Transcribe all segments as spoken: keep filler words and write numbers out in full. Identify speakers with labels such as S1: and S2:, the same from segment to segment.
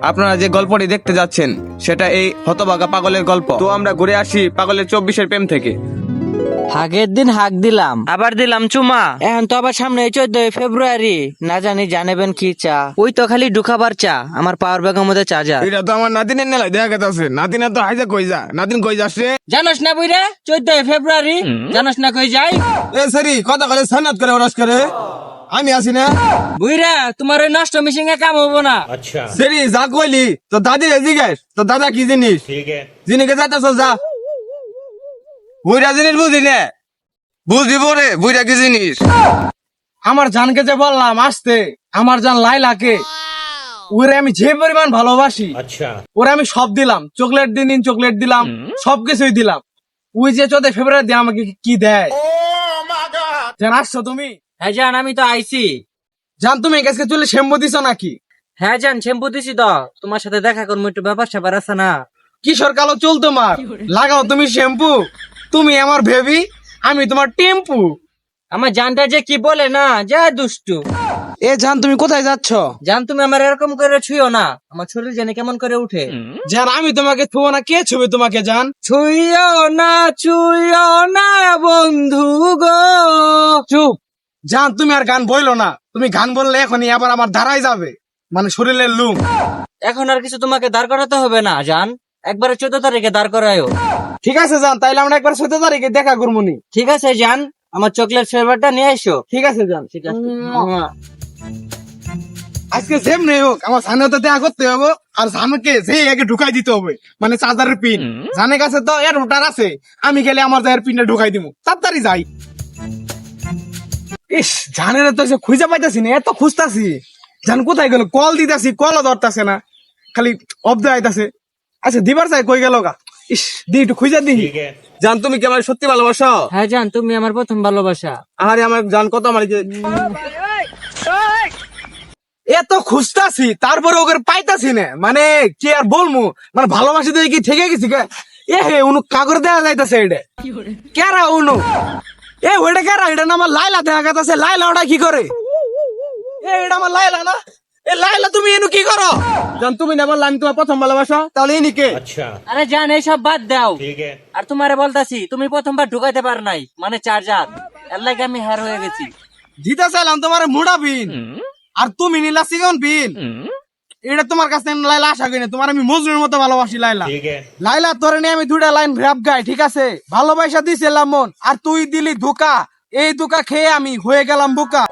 S1: আপনারা যে গল্পটি দেখতে যাচ্ছেন সেটা এই হতভাগা পাগলের গল্প। তো আমরা ঘুরে আসি পাগলের চব্বিশের প্রেম থেকে।
S2: আগের দিন হাক দিলাম, আবার দিলাম চুমা। এখন তো আবার সামনে চোদ্দই ফেব্রুয়ারি, না জানি জানেবেন কি চা। ওই তো খালি ঢুকাবার চা, আমার পাওয়ার ব্যাগের মধ্যে চার্জার।
S1: এটা তো আমার নাতিনের নেলা দেখা গেছে। নাতিনা তো হাইজা কই যা, নাতিন কই যাচ্ছে?
S2: জানোস না বুইরা চোদ্দই ফেব্রুয়ারি, জানোস না কই যাই?
S1: এ সরি কথা বলে সন্ন্যাত করে ওরস করে আমি আসি না।
S2: বুইরা তোমার ওই নষ্ট মিশিং এ কাম হবো না।
S1: সরি যা কইলি তো দাদি জিজ্ঞেস তো দাদা কি জিনিস জিনিসকে যাইতেছ যা। বুইরা জিনিস বুঝি না, বুঝিব রে বুইরা কি জিনিস।
S3: আমার জানকে যে বললাম আসতে, আমার জান লাইলাকে ওরে আমি যে পরিমাণ ভালোবাসি, ওরে আমি সব দিলাম, চকলেট দিন দিন চকলেট দিলাম, সবকিছুই দিলাম। ওই যে চোদ্দ ফেব্রুয়ারি দিয়ে আমাকে কি দেয়। জান আসছো তুমি?
S2: হ্যাঁ জান, আমি তো আইছি।
S3: জান তুমি কাছে চলে শ্যাম্পু দিছো নাকি?
S2: হ্যাঁ জান, শ্যাম্পু দিছি তো। তোমার সাথে দেখা করবো, একটু ব্যাপার স্যাপার আছে না।
S3: কিশোর কালো চুল তোমার, লাগাও তুমি শ্যাম্পু। তুমি আমার বেবি, আমি তোমার টেম্পু।
S2: আমার জানটা যে কি বলে না, যা দুষ্টু।
S3: এ জান তুমি কোথায় যাচ্ছ?
S2: জান তুমি আমার এরকম করে ছুঁয়ো না, আমার শরীর জানি কেমন করে উঠে।
S3: জান আমি তোমাকে ছুবো না, কে ছুবে তোমাকে? জান
S2: ছুঁয়ো না, ছুঁয়ো না বন্ধু গো।
S3: চুপ। জান তুমি আর গান বইলো না, তুমি গান বললে এখনই আবার আমার ধারায় যাবে, মানে শরীরের লুম।
S2: এখন আর কিছু তোমাকে দাঁড় করাতে হবে না জান, একবারে চোদ্দ তারিখে দাঁড় করায়ও।
S3: ঠিক আছে জান, তাইলে আমরা একবার চোদ্দ তারিখে দেখা করবো নি।
S2: ঠিক আছে জান, আমার চকলেট ফ্লেভারটা নিয়ে এসো।
S3: ঠিক আছে জান।
S2: ঠিক আছে।
S3: আজকে সেম নেই হোক, আমার সামনে তো দেখা করতে হবে, আর সামনে সেই আগে ঢুকাই দিতে হবে, মানে চার্জারের পিন। জানের কাছে তো এর রোটার আছে, আমি গেলে আমার জায়ের পিনটা ঢুকাই দিব, তাড়াতাড়ি যাই। ইস জানের তো সে খুঁজে পাইতাছি না, এত খুঁজতাছি। জান কোথায় গেল? কল দিতেছি, কলও ধরতাছে না, খালি অব্দ আইতাছে। আচ্ছা দিবার চাই কই গেল গা? ইস দি একটু খুঁজে দি।
S1: জান তুমি কি আমার সত্যি ভালোবাসো?
S2: হ্যাঁ জান, তুমি আমার প্রথম ভালোবাসা।
S1: আরে আমার জান কত আমার
S3: এত খুঁজতাছি তারপরে ওকে পাইতাছি না, মানে কি আর বলবো, মানে ভালোবাসি দিয়ে কি থেকে গেছি কে? এ হে উনু কাগর দেয়া যাইতাছে, এটা কেরা উনু? এ ওইটা কেরা? এটা না আমার লাইলা দেখা গেছে। লাইলা ওটা কি করে? এ এটা আমার লাইলা না? এ লাইলা তুমি এনু কি করো? জান তুমি না বললা আমি তোমার প্রথম ভালোবাসা, তাহলে ইনি কে?
S2: আরে জান এইসব বাদ দাও। আর তোমারে বলতাছি, তুমি প্রথমবার ঢুকাইতে পার নাই, মানে চার্জার, এর লাগে আমি হ্যার হয়ে গেছি।
S3: দিতে চাইলাম তোমার মুড়া বিন, আর তুমি নিলা সিগন বিন। এটা তোমার কাছে লাইলা আশা করি না, তোমার আমি মজনুর মতো ভালোবাসি। লাইলা লাইলা তোরে নিয়ে আমি দুইটা লাইন র‍্যাপ গাই, ঠিক আছে? ভালোবাসা দিছিলাম মন, আর তুই দিলি ধোকা। এই ধোকা খেয়ে আমি হয়ে গেলাম বোকা।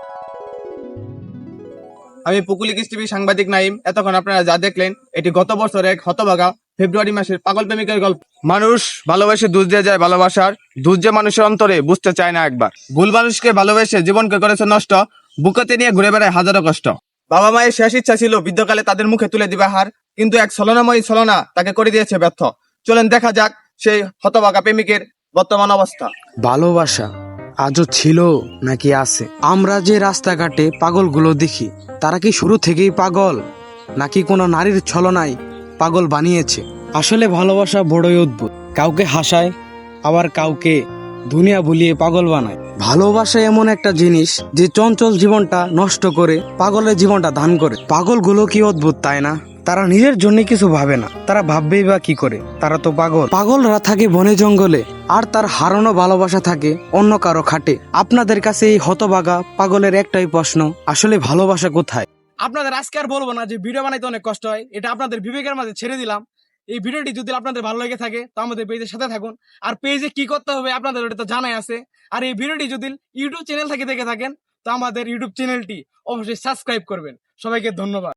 S1: আমি পুকুলিকিস টিভি সাংবাদিক নাইম। এতক্ষণ আপনারা যা দেখলেন এটি গত বছর এক হতভাগা ফেব্রুয়ারি মাসের পাগল প্রেমিকের গল্প। মানুষ ভালোবেসে দুধ দিয়ে যায় ভালোবাসার, দুধ যে মানুষের অন্তরে বুঝতে চায় না একবার। ভুল মানুষকে ভালোবেসে জীবনকে করেছে নষ্ট, বুকেতে নিয়ে ঘুরে বেড়ায় হাজারো কষ্ট। বাবা মায়ের শেষ ইচ্ছা ছিল বৃদ্ধকালে তাদের মুখে তুলে দিবে হার, কিন্তু এক ছলনাময়ী ছলনা তাকে করে দিয়েছে ব্যর্থ। চলেন দেখা যাক সেই হতভাগা প্রেমিকের বর্তমান অবস্থা।
S4: ভালোবাসা আজও ছিল নাকি আছে? আমরা যে রাস্তাঘাটে পাগলগুলো দেখি, তারা কি শুরু থেকেই পাগল, নাকি কোনো নারীর ছলনায় পাগল বানিয়েছে? আসলে ভালোবাসা বড়ই অদ্ভুত, কাউকে হাসায় আবার কাউকে দুনিয়া ভুলিয়ে পাগল বানায়। ভালোবাসা এমন একটা জিনিস যে চঞ্চল জীবনটা নষ্ট করে পাগলের জীবনটা দান করে। পাগলগুলো কি অদ্ভুত তাই না? তারা নিজের জন্য কিছু ভাবে না, তারা ভাববেই বা কি করে? তারা তো পাগল। পাগলরা থাকে বনে জঙ্গলে, আর তার হারানো ভালোবাসা থাকে অন্য কারো খাটে। আপনাদের কাছে এই হতভাগা পাগলের একটাই প্রশ্ন, আসলে ভালোবাসা কোথায়?
S3: আপনাদের আজকে আর বলবো না যে ভিডিও বানাইতে অনেক কষ্ট হয়, এটা আপনাদের বিবেকের মাঝে ছেড়ে দিলাম। এই ভিডিওটি যদি আপনাদের ভালো লেগে থাকে তো আমাদের পেজের সাথে থাকুন, আর পেজে কি করতে হবে আপনাদের ওটা তো জানাই আছে। আর এই ভিডিওটি যদি ইউটিউব চ্যানেল থেকে দেখে থাকেন তো আমাদের ইউটিউব চ্যানেলটি অবশ্যই সাবস্ক্রাইব করবেন। সবাইকে ধন্যবাদ।